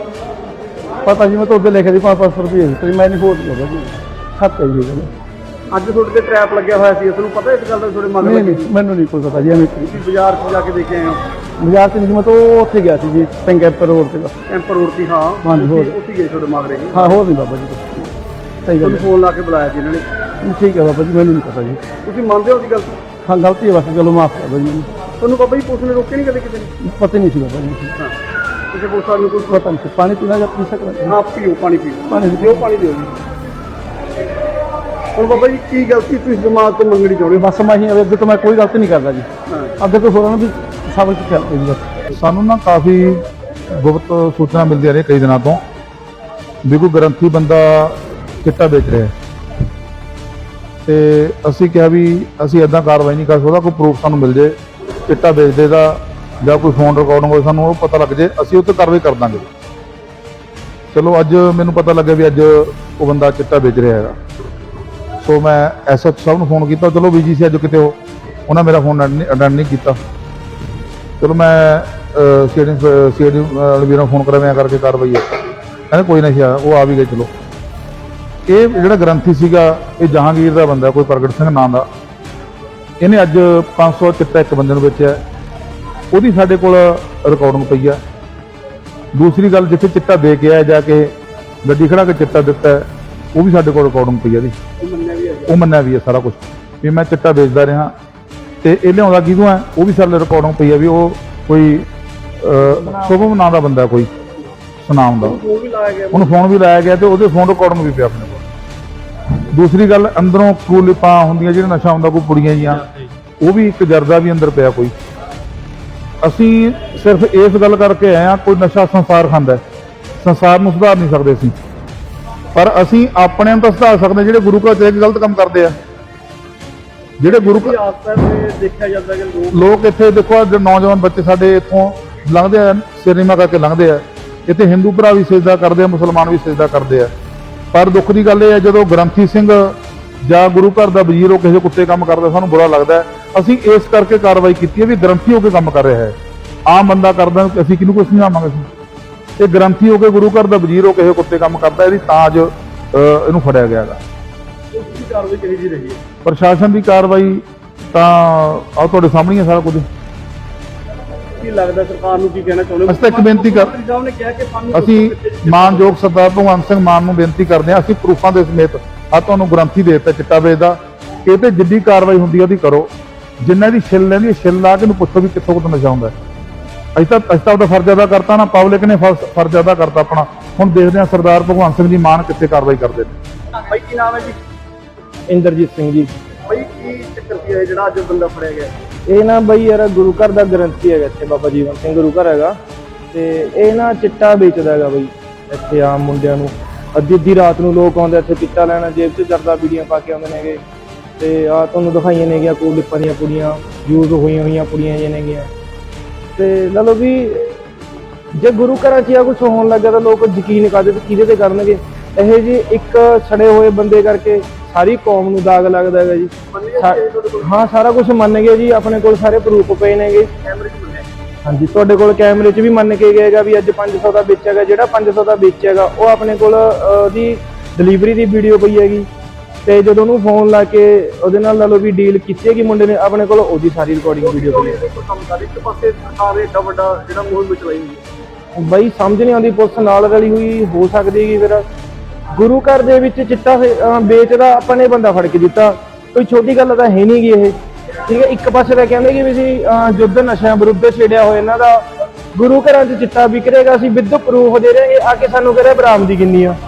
B: ਪਤਾ ਜੀ, ਮੈਂ ਤਾਂ ਉੱਧਰ ਲਿਖਿਆ ਸੀ ਪੰਜ ਪੰਜ ਸੌ ਰੁਪਏ ਤੇ ਮੈਂ ਨਹੀਂ ਹੋਰ ਕਰਦਾ ਜੀ। ਸੱਤ ਹੈ ਜੀ ਇਹ ਗੱਲ।
C: ਅੱਜ ਤੁਹਾਡੇ ਤੇ ਟ੍ਰੈਪ ਲੱਗਿਆ ਹੋਇਆ ਸੀ, ਤੁਹਾਨੂੰ ਪਤਾ ਇਸ ਗੱਲ ਦਾ? ਤੁਹਾਡੇ ਮਨ
B: ਨਹੀਂ
C: ਲੱਗੇ
B: ਨਹੀਂ ਮੈਨੂੰ ਨਹੀਂ ਕੋਈ ਪਤਾ ਜੀ। ਐਵੇਂ
C: ਤੁਸੀਂ ਬਾਜ਼ਾਰ 'ਚ ਜਾ ਕੇ ਦੇਖੇ ਆਏ ਹੋ?
B: ਬਾਜ਼ਾਰ ਚ ਨਹੀਂ, ਮੈਂ ਤਾਂ ਉਹ ਉੱਥੇ ਗਿਆ ਸੀ ਜੀ ਟੈਂਕੈਪਰ ਰੋਡ ਤੇ ਬਸ।
C: ਕੈਂਪਰ ਰੋਡ ਤੇ? ਹਾਂ
B: ਹਾਂਜੀ, ਹੋਰ।
C: ਉੱਥੇ- ਉੱਥੇ ਗਏ ਤੁਹਾਡੇ ਮਗਰੇ ਜੀ?
B: ਹਾਂ ਹੋਰ ਨਹੀਂ ਬਾਬਾ ਜੀ ਕੁਛ। ਸਹੀ ਗੱਲ
C: ਤੁਹਾਨੂੰ ਫੋਨ ਲਾ ਕੇ ਬੁਲਾਇਆ ਸੀ ਇਹਨਾਂ ਨੇ?
B: ਹੈ। ਠੀਕ ਹੈ ਬਾਬਾ ਜੀ, ਮੈਨੂੰ ਨਹੀਂ ਪਤਾ ਜੀ।
C: ਤੁਸੀਂ ਮੰਨਦੇ ਹੋ ਉਹਦੀ ਗੱਲ?
B: ਹਾਂ ਗਲਤੀ ਹੈ ਬਸ, ਚਲੋ ਮਾਫ ਕਰ ਦਿਓ ਜੀ ਮੈਨੂੰ।
C: ਤੁਹਾਨੂੰ ਬਾਬਾ ਜੀ ਪੁਲਿਸ ਨੇ ਰੋਕਿਆ ਨਹੀਂ ਕਦੇ ਕਿਸੇ ਨੇ?
B: ਪਤਾ ਹੀ ਨਹੀਂ ਸੀ ਬਾਬਾ ਜੀ।
C: ਹਾਂ ਕਿਸੇ ਪੁਲਿਸ ਵਾਲੇ ਨੂੰ ਕੋਈ
B: ਪਤਾ ਨਹੀਂ ਸੀ। ਪਾਣੀ ਪੀਣਾ ਜਾਂ ਪੀ ਸਕਦਾ?
C: ਆਪ ਪੀਓ, ਪਾਣੀ ਪੀਓ।
B: ਪਾਣੀ
C: ਦਿਓ, ਪਾਣੀ ਦਿਓ ਜੀ। ਹੁਣ ਬਾਬਾ ਜੀ ਕੀ ਗਲਤੀ ਤੁਸੀਂ ਦਿਮਾਗ ਤੋਂ ਮੰਗਣੀ ਚਾਹੁੰਦੇ ਹੋ?
B: ਬਸ ਮੈਂ ਹੀ ਅੱਗੇ ਤੋਂ ਮੈਂ ਕੋਈ ਗਲਤੀ ਨਹੀਂ ਕਰਦਾ ਜੀ।
C: ਹਾਂ
B: ਅੱਗੇ ਤੋਂ ਹੋਰਾਂ ਨੂੰ ਵੀ ਸਬਕ ਚੱਲਦੇ ਜੀ ਬਸ।
A: ਸਾਨੂੰ ਨਾ ਕਾਫੀ ਗੁਪਤ ਸੂਚਨਾ ਮਿਲਦੀਆਂ ਨੇ ਕਈ ਦਿਨਾਂ ਤੋਂ ਵੀ ਕੋਈ ਗ੍ਰੰਥੀ ਬੰਦਾ ਚਿੱਟਾ ਵੇਚ ਰਿਹਾ ਹੈ, ਤੇ ਅਸੀਂ ਕਿਹਾ ਵੀ ਅਸੀਂ ਇਦਾਂ ਕਾਰਵਾਈ ਨਹੀਂ ਕਰ ਸਕਦਾ, ਕੋਈ ਪ੍ਰੂਫ ਸਾਨੂੰ ਮਿਲ ਜੇ ਚਿੱਟਾ ਵੇਚਦੇ ਦਾ ਜਾਂ ਕੋਈ ਫੋਨ ਰਿਕਾਰਡਿੰਗ ਹੋਵੇ, ਸਾਨੂੰ ਉਹ ਪਤਾ ਲੱਗ ਜੇ, ਅਸੀਂ ਉਹ 'ਤੇ ਕਾਰਵਾਈ ਕਰ ਦਾਂਗੇ। ਚਲੋ ਅੱਜ ਮੈਨੂੰ ਪਤਾ ਲੱਗਿਆ ਵੀ ਅੱਜ ਉਹ ਬੰਦਾ ਚਿੱਟਾ ਵੇਚ ਰਿਹਾ ਹੈਗਾ। ਸੋ ਮੈਂ ਐਸਐਚ ਸਾਹਿਬ ਨੂੰ ਫੋਨ ਕੀਤਾ, ਚਲੋ ਬੀਜੀ ਸੀ ਅੱਜ ਕਿਤੇ, ਉਹ ਉਹਨਾਂ ਮੇਰਾ ਫੋਨ ਅਟੈਂਡ ਨਹੀਂ ਕੀਤਾ। ਚਲੋ ਮੈਂ ਸੀਡੀ ਸੀਡੀ ਵੀਰਾਂ ਨੂੰ ਫੋਨ ਕਰਿਆ, ਮੈਂ ਕਰਕੇ ਕਾਰਵਾਈ ਹੈ, ਕਹਿੰਦੇ ਕੋਈ ਨਹੀਂ ਸੀ ਆਇਆ, ਉਹ ਆ ਵੀ ਗਏ। ਚਲੋ ਇਹ ਜਿਹੜਾ ਗ੍ਰੰਥੀ ਸੀਗਾ ਇਹ ਜਹਾਂਗੀਰ ਦਾ ਬੰਦਾ, ਕੋਈ ਪ੍ਰਗਟ ਸਿੰਘ ਨਾਂ ਦਾ, ਇਹਨੇ ਅੱਜ ਪੰਜ ਸੌ ਚਿੱਟਾ ਇੱਕ ਬੰਦੇ ਨੂੰ ਵੇਚਿਆ, ਉਹਦੀ ਸਾਡੇ ਕੋਲ ਰਿਕਾਰਡਿੰਗ ਪਈ ਆ। ਦੂਸਰੀ ਗੱਲ, ਜਿੱਥੇ ਚਿੱਟਾ ਦੇ ਕੇ ਆਇਆ ਜਾ ਕੇ ਗੱਡੀ ਖੜਾ ਕੇ ਚਿੱਟਾ ਦਿੱਤਾ, ਉਹ ਵੀ ਸਾਡੇ ਕੋਲ ਰਿਕਾਰਡਿੰਗ ਪਈ ਆ ਇਹਦੀ, ਉਹ ਮੰਨਿਆ ਵੀ ਹੈ ਸਾਰਾ ਕੁਝ ਵੀ ਮੈਂ ਚਿੱਟਾ ਵੇਚਦਾ ਰਿਹਾ, ਤੇ ਇਹ ਲਿਆਉਂਦਾ ਕਿਹਦੋਂ ਹੈ ਉਹ ਵੀ ਸਾਡੇ ਰਿਕਾਰਡਿੰਗ ਪਈ ਆ ਵੀ ਉਹ ਕੋਈ ਸ਼ੁਭਮ ਨਾਂ ਦਾ ਬੰਦਾ, ਕੋਈ ਸੁਨਾਮ ਦਾ, ਉਹਨੂੰ ਫੋਨ ਵੀ ਲਾਇਆ ਗਿਆ ਤੇ ਉਹਦੇ ਫੋਨ ਰਿਕਾਰਡਿੰਗ ਵੀ ਪਿਆ ਆਪਣੇ ਕੋਲ। ਦੂਸਰੀ ਗੱਲ, ਅੰਦਰੋਂ ਕੂਲਿਪਾਂ ਹੁੰਦੀਆਂ ਜਿਹੜਾ ਨਸ਼ਾ ਹੁੰਦਾ, ਕੋਈ ਪੁੜੀਆਂ ਜੀਆਂ, ਉਹ ਵੀ ਇੱਕ ਜਰਦਾ ਵੀ ਅੰਦਰ ਪਿਆ ਕੋਈ। ਅਸੀਂ ਸਿਰਫ ਇਸ ਗੱਲ ਕਰਕੇ ਆਏ ਹਾਂ, ਕੋਈ ਨਸ਼ਾ ਸੰਸਾਰ ਖਾਂਦਾ, ਸੰਸਾਰ ਨੂੰ ਸੁਧਾਰ ਨਹੀਂ ਸਕਦੇ ਅਸੀਂ, ਪਰ ਅਸੀਂ ਆਪਣੇ ਨੂੰ ਤਾਂ ਸੁਧਾਰ ਸਕਦੇ ਜਿਹੜੇ ਗੁਰੂ ਘਰ ਚ ਗਲਤ ਕੰਮ ਕਰਦੇ ਆ, ਜਿਹੜੇ ਗੁਰੂ ਘਰ
B: ਦੇਖਿਆ ਜਾਂਦਾ ਕਿ ਲੋਕ
A: ਲੋਕ ਇੱਥੇ ਦੇਖੋ, ਜੋ ਨੌਜਵਾਨ ਬੱਚੇ ਸਾਡੇ ਇੱਥੋਂ ਲੰਘਦੇ ਆ, ਸਿਨੇਮਾ ਕਰਕੇ ਲੰਘਦੇ ਆ, ਇੱਥੇ ਹਿੰਦੂ ਭਰਾ ਵੀ ਸਜਦਾ ਕਰਦੇ ਆ, ਮੁਸਲਮਾਨ ਵੀ ਸਜਦਾ ਕਰਦੇ ਆ, ਪਰ ਦੁੱਖ ਦੀ ਗੱਲ ਇਹ ਹੈ ਜਦੋਂ ਗ੍ਰੰਥੀ ਸਿੰਘ ਜਾਂ ਗੁਰੂ ਘਰ ਦਾ ਵਜ਼ੀਰ ਉਹ ਕਿਸੇ ਕੁੱਤੇ ਕੰਮ ਕਰਦਾ, ਸਾਨੂੰ ਬੁਰਾ ਲੱਗਦਾ ਹੈ। ਅਸੀਂ ਇਸ ਕਰਕੇ ਕਾਰਵਾਈ ਕੀਤੀ ਹੈ ਵੀ ਗ੍ਰੰਥੀ ਹੋ ਕੇ ਕੰਮ ਕਰ ਰਿਹਾ ਹੈ, ਆਮ ਬੰਦਾ ਕਰਦਾ ਅਸੀਂ ਕਿਹਨੂੰ ਕੁਛ ਸਮਝਾਵਾਂਗੇ ਅਸੀਂ, ਤੇ ਗ੍ਰੰਥੀ ਹੋ ਕੇ ਗੁਰੂ ਘਰ ਦਾ ਵਜ਼ੀਰ ਹੋ ਕਿਸੇ ਕੁੱਤੇ ਕੰਮ ਕਰਦਾ, ਇਹਦੀ ਤਾਂ ਅੱਜ ਇਹਨੂੰ ਫੜਿਆ ਗਿਆ ਹੈਗਾ।
B: ਕਾਰਵਾਈ ਕਿਹੋ ਜਿਹੀ ਰਹੀ ਹੈ?
A: ਪ੍ਰਸ਼ਾਸਨ ਦੀ ਕਾਰਵਾਈ ਤਾਂ ਆਹ ਤੁਹਾਡੇ ਸਾਹਮਣੇ ਹੈ ਸਾਰਾ ਕੁਝ।
B: ਕੀ ਲੱਗਦਾ ਸਰਕਾਰ ਨੂੰ ਕੀ ਕਹਿਣਾ ਚਾਹੁੰਦੇ ਹੋ?
A: ਅਸੀਂ ਤਾਂ ਇੱਕ ਬੇਨਤੀ ਕਰ
B: ਸਾਹਿਬ ਨੇ ਕਿਹਾ ਕਿ ਸਾਨੂੰ
A: ਅਸੀਂ ਮਾਨਯੋਗ ਸਰਦਾਰ ਭਗਵੰਤ ਸਿੰਘ ਮਾਨ ਨੂੰ ਬੇਨਤੀ ਕਰਦੇ ਹਾਂ, ਅਸੀਂ ਪ੍ਰੂਫਾਂ ਦੇ ਸਮੇਤ ਆ ਤੁਹਾਨੂੰ ਗ੍ਰੰਥੀ ਦੇ ਦਿੱਤਾ ਚਿੱਟਾ ਵੇਚਦਾ, ਇਹ ਤੇ ਜਿੱਡੀ ਕਾਰਵਾਈ ਹੁੰਦੀ ਹੈ ਉਹਦੀ ਕਰੋ, ਜਿੰਨਾ ਦੀ ਛਿੱਲ ਲੈਂਦੀ ਹੈ ਛਿੱਲ ਲਾ ਕੇ ਨੂੰ ਪੁੱਛੋ ਵੀ ਕਿੱਥੋਂ ਕਿੱਥੋਂ ਨਸ਼ਾ ਹੁੰਦਾ। ਅਸੀਂ ਤਾਂ ਅਸੀਂ ਤਾਂ ਉਹਦਾ ਫਰਜ਼ ਅਦਾ ਕਰਤਾ ਨਾ, ਪਬਲਿਕ ਨੇ ਫਰਜ਼ ਅਦਾ ਕਰਤਾ ਆਪਣਾ। ਹੁਣ ਦੇਖਦੇ ਹਾਂ ਸਰਦਾਰ ਭਗਵੰਤ ਸਿੰਘ ਜੀ ਮਾਨ ਕਿੱਥੇ ਕਾਰਵਾਈ ਕਰਦੇ ਨੇ।
B: ਭਾਈ ਕੀ ਨਾਮ ਹੈ ਜੀ?
C: ਇੰਦਰਜੀਤ ਸਿੰਘ ਜੀ।
B: ਭਾਈ ਕੀ ਚੱਕਰ ਕੀ ਹੈ ਜਿਹੜਾ ਅੱਜ ਬੰਦਾ ਫੜਿਆ ਗਿਆ?
C: ਇਹ ਨਾ ਬਈ ਯਾਰ ਗੁਰੂ ਘਰ ਦਾ ਗ੍ਰੰਥੀ ਹੈਗਾ, ਇੱਥੇ ਬਾਬਾ ਜੀਵਨ ਸਿੰਘ ਗੁਰੂ ਘਰ ਹੈਗਾ, ਤੇ ਇਹ ਨਾ ਚਿੱਟਾ ਵੇਚਦਾ ਹੈਗਾ ਬਈ ਇੱਥੇ ਆਮ ਮੁੰਡਿਆਂ ਨੂੰ। ਅੱਧੀ ਅੱਧੀ ਰਾਤ ਨੂੰ ਲੋਕ ਆਉਂਦੇ ਇੱਥੇ ਚਿੱਟਾ ਲੈਣਾ, ਜੇਬ 'ਚ ਜਰਦਾ ਬੀੜੀਆਂ ਪਾ ਕੇ ਆਉਂਦੇ ਨੇਗੇ, ਤੇ ਆਹ ਤੁਹਾਨੂੰ ਦਿਖਾਈਆਂ ਨੇਗੀਆਂ ਕੋਲਿਪਾਂ ਦੀਆਂ ਪੁੜੀਆਂ, ਯੂਜ਼ ਹੋਈਆਂ ਹੋਈਆਂ ਪੁੜੀਆਂ ਜਿਹੀਆਂ ਨੇਗੀਆਂ। ਤੇ ਲਾ ਲਓ ਵੀ ਜੇ ਗੁਰੂ ਘਰਾਂ 'ਚ ਆ ਕੁਛ ਹੋਣ ਲੱਗਾ ਤਾਂ ਲੋਕ ਯਕੀਨ ਕਰਦੇ ਤੇ ਕਿਹਦੇ ਤੇ ਕਰਨਗੇ। ਇਹ ਜੀ ਇੱਕ ਛੜੇ ਹੋਏ ਬੰਦੇ ਕਰਕੇ ਸਾਰੀ ਕੌਮ ਨੂੰ ਦਾਗ ਲੱਗਦਾ ਹੈਗਾ ਜੀ। ਹਾਂ ਸਾਰਾ ਕੁਝ ਮੰਨ ਗਏ ਜੀ, ਆਪਣੇ ਕੋਲ ਸਾਰੇ ਪ੍ਰੂਫ ਪਏ ਨੇਗੇ। ਹਾਂਜੀ ਤੁਹਾਡੇ ਕੋਲ ਕੈਮਰੇ 'ਚ ਵੀ ਮੰਨ ਕੇ ਗਏਗਾ ਵੀ ਅੱਜ ਪੰਜ ਸੌ ਦਾ ਵਿੱਚ ਹੈਗਾ, ਜਿਹੜਾ ਪੰਜ ਸੌ ਦਾ ਵਿੱਚ ਹੈਗਾ ਉਹ ਆਪਣੇ ਕੋਲ ਉਹਦੀ ਡਿਲੀਵਰੀ ਦੀ ਵੀਡੀਓ ਪਈ ਹੈਗੀ, ਤੇ ਜਦੋਂ ਉਹਨੂੰ ਫੋਨ ਲਾ ਕੇ ਉਹਦੇ ਨਾਲ ਲਾ ਲਓ ਵੀ ਡੀਲ ਕੀਤੀ ਹੈਗੀ ਮੁੰਡੇ ਨੇ, ਆਪਣੇ ਕੋਲ ਉਹਦੀ ਸਾਰੀ ਰਿਕਾਰਡਿੰਗ ਵੀਡੀਓ ਪਈ ਹੈ।
B: ਇੱਕ ਪਾਸੇ ਸਰਕਾਰ ਏਡਾ ਵੱਡਾ ਜਿਹੜਾ ਮੁਹਿੰਮ ਚਲਾਈ ਹੋਈ ਹੈ,
C: ਬਈ ਸਮਝ ਨਹੀਂ ਆਉਂਦੀ, ਪੁਲਿਸ ਨਾਲ ਰਲੀ ਹੋਈ ਹੋ ਸਕਦੀ ਹੈਗੀ। ਫਿਰ ਗੁਰੂ ਘਰ ਦੇ ਵਿੱਚ ਚਿੱਟਾ ਵੇਚਦਾ ਆਪਾਂ ਨੇ ਬੰਦਾ ਫੜ ਕੇ ਦਿੱਤਾ, ਕੋਈ ਛੋਟੀ ਗੱਲ ਤਾਂ ਹੈ ਨਹੀਂ ਗੀ ਇਹ, ਠੀਕ ਹੈ। ਇੱਕ ਪਾਸੇ ਤਾਂ ਕਹਿੰਦੇ ਕਿ ਵੀ ਅਸੀਂ ਯੁੱਧ ਨਸ਼ਿਆਂ ਵਿਰੁੱਧ ਛੇੜਿਆ ਹੋਇਆ ਇਹਨਾਂ ਦਾ, ਗੁਰੂ ਘਰਾਂ 'ਚ ਚਿੱਟਾ ਵਿਕ ਰਿਹਾ, ਅਸੀਂ ਵਿਦ ਪ੍ਰੂਫ ਦੇ ਰਹੇ, ਇਹ ਆ ਕੇ ਸਾਨੂੰ ਕਹ ਰਿਹਾ ਬਰਾਮਦੀ ਕਿੰਨੀ ਆ।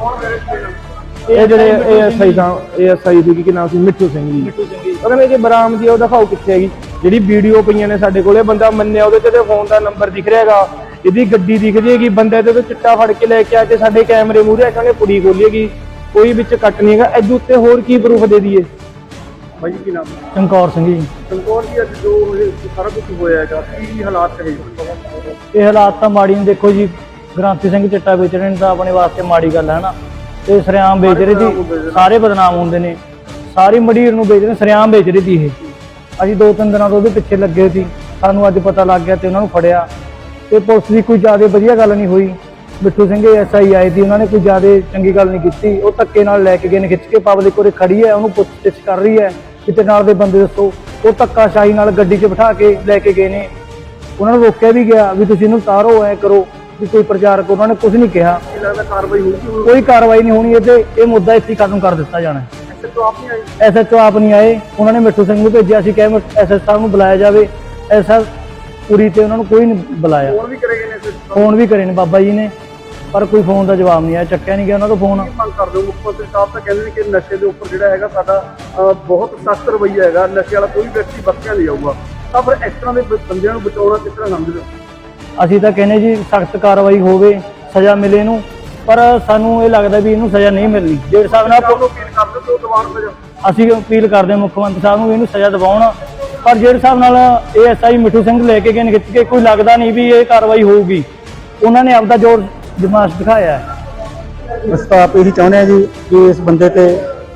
C: ਇਹ ਜਿਹੜੇ A S I the A S I ਦੀ ਕੀ ਨਾਮ ਸੀ, ਮਿੱਠੂ ਸਿੰਘ ਜੀ, ਉਹ ਕਹਿੰਦੇ ਕਿ ਬਰਾਮਦੀ ਉਹ ਦਿਖਾਓ ਕਿੱਥੇ ਹੈਗੀ। ਜਿਹੜੀ ਵੀਡੀਓ ਪਈਆਂ ਨੇ ਸਾਡੇ ਕੋਲੇ, ਬੰਦਾ ਮੰਨਿਆ ਉਹਦੇ ਤੇ ਫੋਨ ਦਾ ਨੰਬਰ ਦਿਖ ਰਿਹਾ ਹੈਗਾ, ਇਹਦੀ ਗੱਡੀ ਦਿਖ ਜਾਏਗੀ, ਬੰਦੇ ਤੇ ਚਿੱਟਾ ਫੜ ਕੇ ਲੈ ਕੇ ਆ ਕੇ ਸਾਡੇ ਕੈਮਰੇ ਮੂਹਰੇ ਕਹਿੰਦੇ ਪੁੜੀ ਖੋਲੀਏਗੀ, ਕੋਈ ਵਿੱਚ ਕੱਟ ਨਹੀਂ ਹੈਗਾ। ਇਹਦੇ ਉੱਤੇ ਹੋਰ ਕੀ ਪ੍ਰੂਫ ਦੇ ਦਈਏ?
B: ਭਾਈ ਕੀ ਨਾਮ?
C: ਚਮਕੌਰ ਸਿੰਘ ਜੀ।
B: ਚਮਕੌਰ ਜੀ, ਅੱਜ ਜੋ ਇਹ ਸਾਰਾ ਕੁਝ ਹੋਇਆ ਹੈਗਾ ਕੀ ਹਾਲਾਤ ਹੈ?
C: ਇਹ ਹਾਲਾਤ ਤਾਂ ਮਾੜੀ ਨੇ, ਦੇਖੋ ਜੀ ਗ੍ਰੰਥੀ ਸਿੰਘ ਚਿੱਟਾ ਵੇਚ ਰਹੇ ਨੇ ਤਾਂ ਆਪਣੇ ਵਾਸਤੇ ਮਾੜੀ ਗੱਲ ਹੈ ਨਾ, ਤੇ ਸਰਿਆਮ ਵੇਚ ਰਹੇ ਸੀ, ਸਾਰੇ ਬਦਨਾਮ ਹੁੰਦੇ ਨੇ, ਸਾਰੀ ਮੰਡੀਰ ਨੂੰ ਵੇਚ ਰਹੇ, ਸਰਿਆਮ ਵੇਚ ਰਹੀ ਸੀ ਇਹ। ਅਸੀਂ ਦੋ ਤਿੰਨ ਦਿਨਾਂ ਤੋਂ ਉਹਦੇ ਪਿੱਛੇ ਲੱਗੇ ਸੀ, ਸਾਨੂੰ ਅੱਜ ਪਤਾ ਲੱਗ ਗਿਆ ਤੇ ਉਹਨਾਂ ਨੂੰ ਫੜਿਆ, ਤੇ ਪੁਲਿਸ ਦੀ ਕੋਈ ਜ਼ਿਆਦਾ ਵਧੀਆ ਗੱਲ ਨਹੀਂ ਹੋਈ। ਮਿੱਠੂ ਸਿੰਘ ਐਸ ਆਈ ਆਏ ਸੀ, ਉਹਨਾਂ ਨੇ ਕੋਈ ਜ਼ਿਆਦਾ ਚੰਗੀ ਗੱਲ ਨਹੀਂ ਕੀਤੀ, ਉਹ ਧੱਕੇ ਨਾਲ ਲੈ ਕੇ ਗਏ ਨੇ ਖਿੱਚ ਕੇ, ਪਬਲਿਕ ਉਰੇ ਖੜੀ ਹੈ ਉਹਨੂੰ ਪੁੱਛ-ਗਿੱਛ ਕਰ ਰਹੀ ਹੈ ਕਿਤੇ ਨਾਲ ਦੇ ਬੰਦੇ ਦੱਸੋ, ਉਹ ਧੱਕਾਸ਼ਾਹੀ ਨਾਲ ਗੱਡੀ 'ਚ ਬਿਠਾ ਕੇ ਲੈ ਕੇ ਗਏ ਨੇ। ਉਹਨਾਂ ਨੂੰ ਰੋਕਿਆ ਵੀ ਗਿਆ ਵੀ ਤੁਸੀਂ ਇਹਨੂੰ ਉਤਾਰੋ, ਐ ਕਰੋ ਵੀ ਕੋਈ ਪ੍ਰਚਾਰਕ, ਉਹਨਾਂ ਨੇ ਕੁਝ ਨਹੀਂ ਕਿਹਾ।
B: ਕਾਰਵਾਈ ਹੋਊਗੀ?
C: ਕੋਈ ਕਾਰਵਾਈ ਨਹੀਂ ਹੋਣੀ, ਇਹ ਤੇ ਇਹ ਮੁੱਦਾ ਇੱਥੇ ਖਤਮ ਕਰ ਦਿੱਤਾ ਜਾਣਾ। ਐਸ ਐਚ ਓ ਆਪ ਨਹੀਂ ਆਏ, ਉਹਨਾਂ ਨੇ ਮਿੱਠੂ ਸਿੰਘ ਨੂੰ ਭੇਜਿਆ ਸੀ, ਕਹੇ ਐਸ ਐਚ ਸਾਹਿਬ ਨੂੰ ਬੁਲਾਇਆ ਜਾਵੇ, ਐਸਾ ਪੂਰੀ ਤੇ ਉਹਨਾਂ ਨੂੰ ਕੋਈ ਨਹੀਂ ਬੁਲਾਇਆ।
B: ਫੋਨ ਵੀ ਕਰੇ ਗਏ ਨੇ?
C: ਫੋਨ ਵੀ ਕਰੇ ਨੇ ਬਾਬਾ ਜੀ ਨੇ, ਪਰ ਕੋਈ ਫੋਨ ਦਾ ਜਵਾਬ ਨਹੀਂ ਆਇਆ, ਚੱਕਿਆ ਨਹੀਂ ਗਿਆ ਉਹਨਾਂ ਦਾ ਫੋਨ।
B: ਮੰਗ ਕਰਦੇ ਹੋ? ਮੁੱਖ ਮੰਤਰੀ ਸਾਹਿਬ ਤਾਂ ਕਹਿੰਦੇ ਨੇ ਕਿ ਨਸ਼ੇ ਦੇ ਉੱਪਰ ਜਿਹੜਾ ਹੈਗਾ ਸਾਡਾ ਬਹੁਤ ਸਖਤ ਰਵੱਈਆ ਹੈਗਾ, ਨਸ਼ੇ ਵਾਲਾ ਕੋਈ ਵਿਅਕਤੀ ਬਚਿਆ ਨਹੀਂ ਜਾਊਗਾ, ਤਾਂ ਫਿਰ ਇਸ ਤਰ੍ਹਾਂ ਦੇ ਬੰਦਿਆਂ ਨੂੰ ਬਚਾਉਣਾ ਕਿਸ ਤਰ੍ਹਾਂ ਸਮਝਦੇ ਹੋ?
C: ਅਸੀਂ ਤਾਂ ਕਹਿੰਦੇ ਜੀ ਸਖਤ ਕਾਰਵਾਈ ਹੋਵੇ, ਸਜ਼ਾ ਮਿਲੇ ਇਹਨੂੰ, ਪਰ ਸਾਨੂੰ ਇਹ ਲੱਗਦਾ ਵੀ ਇਹਨੂੰ ਸਜ਼ਾ ਨਹੀਂ ਮਿਲਣੀ। ਜਿਹੜੇ ਹਿਸਾਬ ਨਾਲ
B: ਅਪੀਲ ਕਰਦੇ ਹੋ ਦਵਾਨ ਵਜੋਂ
C: ਅਸੀਂ ਅਪੀਲ ਕਰਦੇ ਹਾਂ ਮੁੱਖ ਮੰਤਰੀ ਸਾਹਿਬ ਨੂੰ ਇਹਨੂੰ ਸਜ਼ਾ ਦਿਵਾਉਣ, ਪਰ ਜਿਹੜੇ ਹਿਸਾਬ ਨਾਲ ਏ ਐਸ ਆਈ ਮਿੱਠੂ ਸਿੰਘ ਲੈ ਕੇ ਗਏ ਨੇ ਖਿੱਚ ਕੇ, ਕੋਈ ਲੱਗਦਾ ਨਹੀਂ ਵੀ ਇਹ ਕਾਰਵਾਈ ਹੋਊਗੀ। ਉਹਨਾਂ ਨੇ ਆਪਦਾ ਜ਼ੋਰ ਦਿਮਾਗ ਦਿਖਾਇਆ ਹੈ।
E: ਅਸੀਂ ਤਾਂ ਆਪ ਇਹੀ ਚਾਹੁੰਦੇ ਹਾਂ ਜੀ ਕਿ ਇਸ ਬੰਦੇ ਤੇ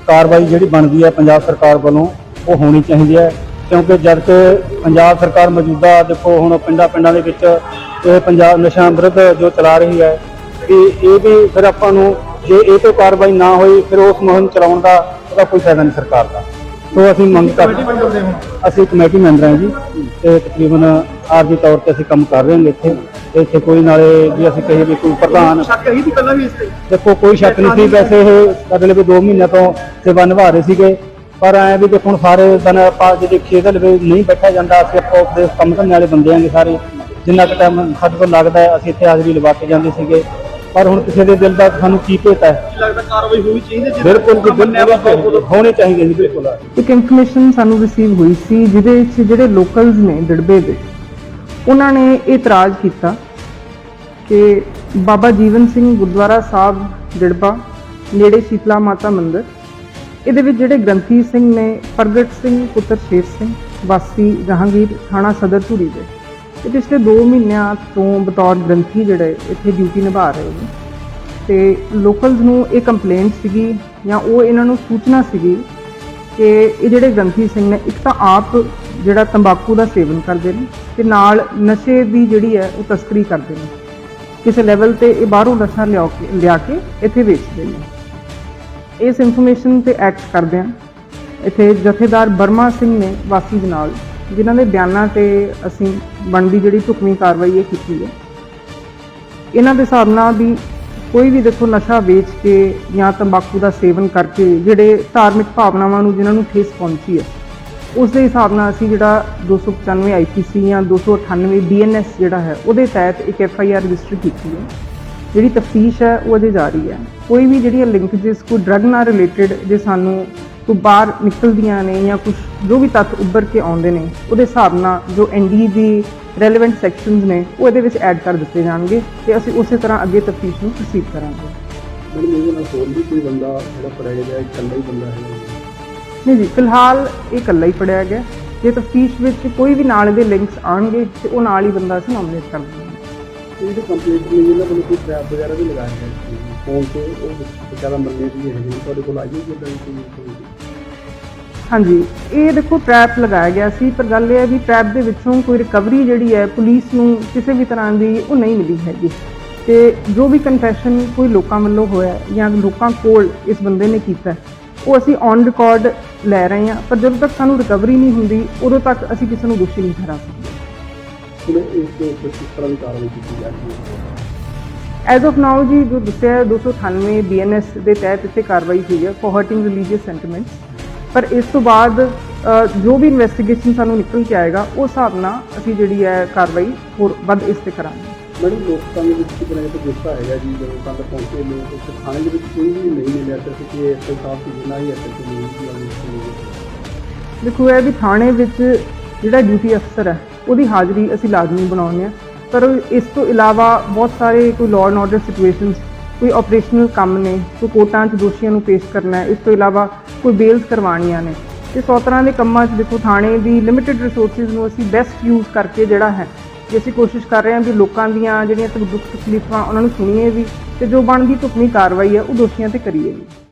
B: ਕਾਰਵਾਈ ਜਿਹੜੀ ਬਣਦੀ ਹੈ ਪੰਜਾਬ ਸਰਕਾਰ ਵੱਲੋਂ ਉਹ ਹੋਣੀ ਚਾਹੀਦੀ ਹੈ, ਕਿਉਂਕਿ ਜਦ ਕਿ ਪੰਜਾਬ ਸਰਕਾਰ ਮੌਜੂਦਾ ਦੇਖੋ ਹੁਣ ਪਿੰਡਾਂ ਪਿੰਡਾਂ ਦੇ ਵਿੱਚ ਇਹ ਪੰਜਾਬ ਨਸ਼ਾ ਵਿਰੁੱਧ ਜੋ ਚਲਾ ਰਹੀ ਹੈ, ਕਿ ਇਹ ਵੀ ਫਿਰ ਆਪਾਂ ਨੂੰ ਜੇ ਇਹ ਤੋਂ ਕਾਰਵਾਈ ਨਾ ਹੋਈ ਫਿਰ ਉਸ ਮੁਹਿੰਮ ਚਲਾਉਣ ਦਾ ਉਹਦਾ ਕੋਈ ਫਾਇਦਾ ਨਹੀਂ ਸਰਕਾਰ ਦਾ। ਸੋ ਅਸੀਂ ਮੰਗ ਕਰਦੇ ਹਾਂ, ਅਸੀਂ ਕਮੇਟੀ ਮੈਂਬਰ ਹਾਂ ਜੀ, ਤੇ ਤਕਰੀਬਨ ਆਰਜੀ ਤੌਰ ਤੇ ਅਸੀਂ ਕੰਮ ਕਰ ਰਹੇ ਹਾਂ ਇੱਥੇ ਤੇ ਇੱਥੇ ਕੋਈ ਨਾਲੇ ਜੇ ਅਸੀਂ ਕਹੀਏ ਵੀ ਕੋਈ ਪ੍ਰਧਾਨ
C: ਸ਼ੱਕ ਹੀ ਪਹਿਲਾਂ ਵੀ ਇਸ ਤੇ
B: ਦੇਖੋ ਕੋਈ ਸ਼ੱਕ ਨਹੀਂ ਸੀ। ਵੈਸੇ ਇਹ ਅਗਲੇ ਵੀ ਦੋ ਮਹੀਨਿਆਂ ਤੋਂ ਸੇਵਾ ਨਿਭਾ ਰਹੇ ਸੀਗੇ, ਪਰ ਐ ਵੀ ਦੇਖੋ ਹੁਣ ਸਾਰੇ ਦਿਨ ਆਪਾਂ ਜੇ ਦੇਖੀਏ ਤਾਂ ਲਵੇ ਨਹੀਂ ਬੈਠਿਆ ਜਾਂਦਾ। ਅਸੀਂ ਆਪੋ ਦੇ ਕੰਮ ਕਰਨ ਵਾਲੇ ਬੰਦੇ ਆਂਗੇ ਸਾਰੇ, ਜਿੰਨਾ ਕੁ ਟਾਈਮ ਸਾਡੇ ਕੋਲ ਲੱਗਦਾ ਹੈ ਅਸੀਂ ਇੱਥੇ ਹਾਜ਼ਰੀ ਲਵਾ ਕੇ ਜਾਂਦੇ ਸੀਗੇ, ਪਰ ਹੁਣ ਕਿਸੇ ਦੇ ਦਿਲ ਦਾ ਸਾਨੂੰ ਕੀ ਭੇਤ ਹੈ।
C: ਲੱਗਦਾ ਕਾਰਵਾਈ ਹੋਣੀ ਚਾਹੀਦੀ ਹੈ,
B: ਬਿਲਕੁਲ ਜੀ ਬਿਲਕੁਲ ਹੋਣੀ ਚਾਹੀਦੀ ਹੈ ਜੀ, ਬਿਲਕੁਲ।
E: ਇੱਕ ਇਨਫੋਰਮੇਸ਼ਨ ਸਾਨੂੰ ਰਿਸੀਵ ਹੋਈ ਸੀ ਜਿਹਦੇ ਵਿੱਚ ਜਿਹੜੇ ਲੋਕਲਸ ਨੇ ਦਿੜਬੇ ਦੇ, ਉਹਨਾਂ ਨੇ ਇਤਰਾਜ਼ ਕੀਤਾ ਕਿ ਬਾਬਾ ਜੀਵਨ ਸਿੰਘ ਗੁਰਦੁਆਰਾ ਸਾਹਿਬ ਦਿੜਬਾ ਨੇੜੇ ਸ਼ੀਤਲਾ ਮਾਤਾ ਮੰਦਿਰ, ਇਹਦੇ ਵਿੱਚ ਜਿਹੜੇ ਗ੍ਰੰਥੀ ਸਿੰਘ ਨੇ ਪ੍ਰਗਟ ਸਿੰਘ ਪੁੱਤਰ ਸ਼ੇਰ ਸਿੰਘ ਵਾਸੀ ਜਹਾਂਗੀਰ ਥਾਣਾ ਸਦਰ ਧੂਰੀ ਦੇ, ਇਹ ਪਿਛਲੇ ਦੋ ਮਹੀਨਿਆਂ ਤੋਂ ਬਤੌਰ ਗ੍ਰੰਥੀ ਜਿਹੜੇ ਇੱਥੇ ਡਿਊਟੀ ਨਿਭਾ ਰਹੇ ਨੇ, ਤੇ ਲੋਕਲਸ ਨੂੰ ਇਹ ਕੰਪਲੇਂਟ ਸੀਗੀ ਜਾਂ ਉਹ ਇਹਨਾਂ ਨੂੰ ਸੂਚਨਾ ਸੀਗੀ ਕਿ ਇਹ ਜਿਹੜੇ ਗ੍ਰੰਥੀ ਸਿੰਘ ਨੇ ਇੱਕ ਤਾਂ ਆਪ ਜਿਹੜਾ ਤੰਬਾਕੂ ਦਾ ਸੇਵਨ ਕਰਦੇ ਨੇ ਤੇ ਨਾਲ ਨਸ਼ੇ ਦੀ ਜਿਹੜੀ ਹੈ ਉਹ ਤਸਕਰੀ ਕਰਦੇ ਨੇ, ਕਿਸੇ ਲੈਵਲ ਤੇ ਇਹ ਬਾਹਰੋਂ ਨਸ਼ਾ ਲਿਆ ਕੇ ਲਿਆ ਕੇ ਇੱਥੇ ਵੇਚਦੇ ਨੇ। ਇਸ ਇਨਫੋਰਮੇਸ਼ਨ ਤੇ ਐਕਟ ਕਰਦੇ ਆ ਇੱਥੇ ਜਥੇਦਾਰ ਬਰਮਾ ਸਿੰਘ ਨੇ ਵਾਸੀ ਜਨਾਲ, ਜਿਨ੍ਹਾਂ ਦੇ ਬਿਆਨਾਂ ਤੇ ਅਸੀਂ ਬਣਦੀ ਜਿਹੜੀ ਢੁਕਵੀਂ ਕਾਰਵਾਈ ਇਹ ਕੀਤੀ ਹੈ। ਇਹਨਾਂ ਦੇ ਹਿਸਾਬ ਨਾਲ ਵੀ ਕੋਈ ਵੀ ਦੇਖੋ ਨਸ਼ਾ ਵੇਚ ਕੇ ਜਾਂ ਤੰਬਾਕੂ ਦਾ ਸੇਵਨ ਕਰਕੇ ਜਿਹੜੇ ਧਾਰਮਿਕ ਭਾਵਨਾਵਾਂ ਨੂੰ ਜਿਨ੍ਹਾਂ ਨੂੰ ਠੇਸ ਪਹੁੰਚੀ ਹੈ, ਉਸ ਦੇ ਹਿਸਾਬ ਨਾਲ ਅਸੀਂ ਜਿਹੜਾ ਦੋ ਸੌ ਪਚਾਨਵੇਂ ਆਈ ਪੀ ਸੀ ਜਾਂ ਦੋ ਸੌ ਅਠਾਨਵੇਂ ਬੀ ਐਨ ਐਸ ਜਿਹੜਾ ਹੈ ਉਹਦੇ ਤਹਿਤ ਇੱਕ ਐਫ ਆਈ ਆਰ ਰਜਿਸਟਰ ਕੀਤੀ ਹੈ। ਜਿਹੜੀ ਤਫਤੀਸ਼ ਹੈ ਉਹ ਅਜੇ ਜਾਰੀ ਹੈ। ਕੋਈ ਵੀ ਜਿਹੜੀਆਂ ਲਿੰਕੇਜਸ ਕੋਈ ਡਰੱਗ ਨਾਲ ਰਿਲੇਟਡ ਜੇ ਸਾਨੂੰ ਕੋਈ ਬਾਹਰ ਨਿਕਲਦੀਆਂ ਨੇ ਜਾਂ ਕੁਝ ਜੋ ਵੀ ਤੱਥ ਉੱਭਰ ਕੇ ਆਉਂਦੇ ਨੇ, ਉਹਦੇ ਹਿਸਾਬ ਨਾਲ ਜੋ ਐਨ ਡੀ ਦੀ ਰੈਲੇਵੈਂਟ ਸੈਕਸ਼ਨਸ ਨੇ ਉਹ ਇਹਦੇ ਵਿੱਚ ਐਡ ਕਰ ਦਿੱਤੇ ਜਾਣਗੇ ਤੇ ਅਸੀਂ ਉਸੇ ਤਰ੍ਹਾਂ ਅੱਗੇ ਤਫਤੀਸ਼ ਨੂੰ ਪ੍ਰੋਸੀਡ ਕਰਾਂਗੇ।
B: ਮੈਡਮ ਇਹਦੇ ਨਾਲ ਹੋਰ ਵੀ ਕੋਈ ਬੰਦਾ ਜਿਹੜਾ ਫੜਿਆ ਗਿਆ ਇਕੱਲਾ ਹੀ ਬੰਦਾ ਹੈ?
E: ਨਹੀਂ ਜੀ, ਫਿਲਹਾਲ ਇਹ ਇਕੱਲਾ ਹੀ ਫੜਿਆ ਗਿਆ। ਜੇ ਤਫਤੀਸ਼ ਵਿੱਚ ਕੋਈ ਵੀ ਨਾਲ ਦੇ ਲਿੰਕਸ ਆਉਣਗੇ ਤੇ ਉਹ ਨਾਲ ਹੀ ਬੰਦਾ ਅਸੀਂ ਨੋਮੀਨੇਟ ਕਰ ਦਿੰਦੇ ਹਾਂ।
B: ਇਹ ਜੋ ਕੰਪਲੀਟ ਨਹੀਂ ਇਹਨਾਂ ਵੱਲੋਂ ਕੋਈ ਟ੍ਰੈਪ ਵਗੈਰਾ ਵੀ ਲਗਾਇਆ ਗਿਆ ਫੋਨ ਤੇ, ਉਹ ਜ਼ਿਆਦਾ ਮੰਨੇ ਦੀ ਹੈਗੀ ਤੁਹਾਡੇ ਕੋਲ ਆਈ ਹੋਈ ਇਦਾਂ ਦੀ ਕੋਈ?
E: ਹਾਂਜੀ, ਇਹ ਦੇਖੋ ਟਰੈਪ ਲਗਾਇਆ ਗਿਆ ਸੀ, ਪਰ ਗੱਲ ਇਹ ਹੈ ਵੀ ਟਰੈਪ ਦੇ ਵਿੱਚੋਂ ਕੋਈ ਰਿਕਵਰੀ ਜਿਹੜੀ ਹੈ ਪੁਲਿਸ ਨੂੰ ਕਿਸੇ ਵੀ ਤਰ੍ਹਾਂ ਦੀ ਉਹ ਨਹੀਂ ਮਿਲੀ ਹੈਗੀ, ਤੇ ਜੋ ਵੀ ਕਨਫੈਸ਼ਨ ਕੋਈ ਲੋਕਾਂ ਵੱਲੋਂ ਹੋਇਆ ਜਾਂ ਲੋਕਾਂ ਕੋਲ ਇਸ ਬੰਦੇ ਨੇ ਕੀਤਾ ਉਹ ਅਸੀਂ ਔਨ ਰਿਕਾਰਡ ਲੈ ਰਹੇ ਹਾਂ, ਪਰ ਜਦੋਂ ਤੱਕ ਸਾਨੂੰ ਰਿਕਵਰੀ ਨਹੀਂ ਹੁੰਦੀ ਉਦੋਂ ਤੱਕ ਅਸੀਂ ਕਿਸੇ ਨੂੰ ਦੋਸ਼ੀ ਨਹੀਂ ਠਹਿਰਾ ਸਕਦੇ।
B: ਹੁਣ ਇਸ ਦੇ ਉੱਪਰ ਕਿਸ ਤਰ੍ਹਾਂ ਦੀ ਕਾਰਵਾਈ ਕੀਤੀ ਜਾ ਰਹੀ ਹੈ?
E: ਐਜ਼ ਆਫ ਨਾਓ ਜੀ ਜੋ ਦੱਸਿਆ ਦੋ ਸੌ ਅਠਾਨਵੇਂ ਬੀ ਐਨ ਐਸ ਦੇ ਤਹਿਤ ਇੱਥੇ ਕਾਰਵਾਈ ਹੋਈ ਹੈ ਫॉर ਹਰਟਿੰਗ ਰਿਲੀਜੀਅਸ ਸੈਂਟੀਮੈਂਟਸ, ਪਰ ਇਸ ਤੋਂ ਬਾਅਦ ਜੋ ਵੀ ਇਨਵੈਸਟੀਗੇਸ਼ਨ ਸਾਨੂੰ ਨਿਕਲ ਕੇ ਆਏਗਾ ਉਸ ਹਿਸਾਬ ਨਾਲ ਅਸੀਂ ਜਿਹੜੀ ਹੈ ਕਾਰਵਾਈ ਹੋਰ ਵੱਧ ਇਸ ਤੇ ਕਰਾਂਗੇ।
B: ਮੈਡਮ ਲੋਕਾਂ ਦੇ ਵਿੱਚ ਕਿਤੇ ਨਾ ਕਿਤੇ ਗੁੱਸਾ ਹੈਗਾ ਜੀ, ਜਦੋਂ ਤੱਕ ਪਹੁੰਚੇ ਲੋਕ ਉਸ ਥਾਣੇ ਦੇ ਵਿੱਚ ਕੋਈ ਵੀ ਨਹੀਂ ਮਿਲਿਆ ਤੇ ਕਿ ਐਸ ਆਈ ਸਾਹਿਬ ਦੀ ਜਿੰਨਾ ਹੀ ਐਸ ਆਈ ਦੀ
E: ਦੇਖੋ ਇਹ ਵੀ ਥਾਣੇ ਵਿੱਚ ਜਿਹੜਾ ਡਿਊਟੀ ਅਫਸਰ ਹੈ ਉਹਦੀ ਹਾਜ਼ਰੀ ਅਸੀਂ ਲਾਜ਼ਮੀ ਬਣਾਉਂਦੇ ਹਾਂ, ਪਰ ਇਸ ਤੋਂ ਇਲਾਵਾ ਬਹੁਤ ਸਾਰੇ ਕੋਈ ਲਾਅ ਐਂਡ ਆਰਡਰ ਸਿਚੁਏਸ਼ਨਸ, ਕੋਈ ਆਪਰੇਸ਼ਨਲ ਕੰਮ ਨੇ, ਕੋਈ ਕੋਰਟਾਂ 'ਚ ਦੋਸ਼ੀਆਂ ਨੂੰ ਪੇਸ਼ ਕਰਨਾ ਹੈ, ਇਸ ਤੋਂ ਇਲਾਵਾ ਕੋਈ ਬੇਲਸ ਕਰਵਾਉਣੀਆਂ ਨੇ, ਤੇ ਸੌ ਤਰ੍ਹਾਂ ਦੇ ਕੰਮਾਂ 'ਚ ਦੇਖੋ ਥਾਣੇ ਦੀ ਲਿਮਿਟਿਡ ਰਿਸੋਰਸਿਸ ਨੂੰ ਅਸੀਂ ਬੈਸਟ ਯੂਜ਼ ਕਰਕੇ ਜਿਹੜਾ ਹੈ ਜੇ ਅਸੀਂ ਕੋਸ਼ਿਸ਼ ਕਰ ਰਹੇ ਹਾਂ ਵੀ ਲੋਕਾਂ ਦੀਆਂ ਜਿਹੜੀਆਂ ਦੁੱਖ ਤਕਲੀਫਾਂ ਉਹਨਾਂ ਨੂੰ ਸੁਣੀਏ ਵੀ, ਤੇ ਜੋ ਬਣਦੀ ਢੁਕਵੀਂ ਕਾਰਵਾਈ ਹੈ ਉਹ ਦੋਸ਼ੀਆਂ ਤੇ ਕਰੀਏ ਵੀ।